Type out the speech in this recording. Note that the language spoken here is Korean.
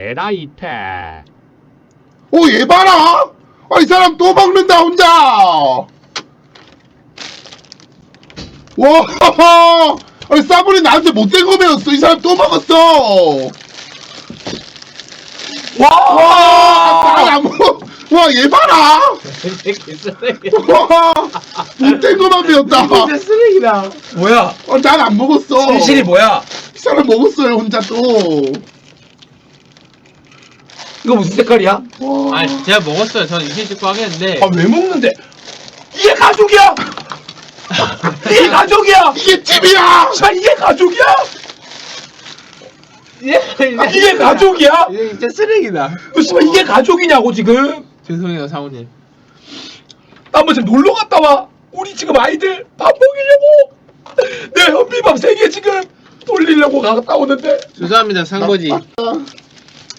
에라이테. 얘 봐라! 이 사람 또 먹는다, 혼자! 와, 싸구리 나한테 못된 거 배웠어. 이 사람 또 먹었어! 얘 봐라! 와, 못된 거만 배웠다. 진짜 쓰레기다. 뭐야? 난 안 먹었어. 진실이 뭐야? 이 사람 먹었어요, 혼자 또. 이거 무슨 색깔이야? 아, 제가 먹었어요. 저는 이신 찍고 하겠는데. 왜 먹는데? 이게 가족이야! 이게 가족이야! 이게 찜이야! 이게 가족이야? 이게 아, 가족이야? 이게 진짜 쓰레기다. 씨발 이게 가족이냐고 지금? 죄송해요, 사모님. 나 한번 지금 놀러 갔다 와. 우리 지금 아이들 밥 먹이려고 내 현미밥 3개 지금 돌리려고 갔다 오는데. 죄송합니다, 상거지.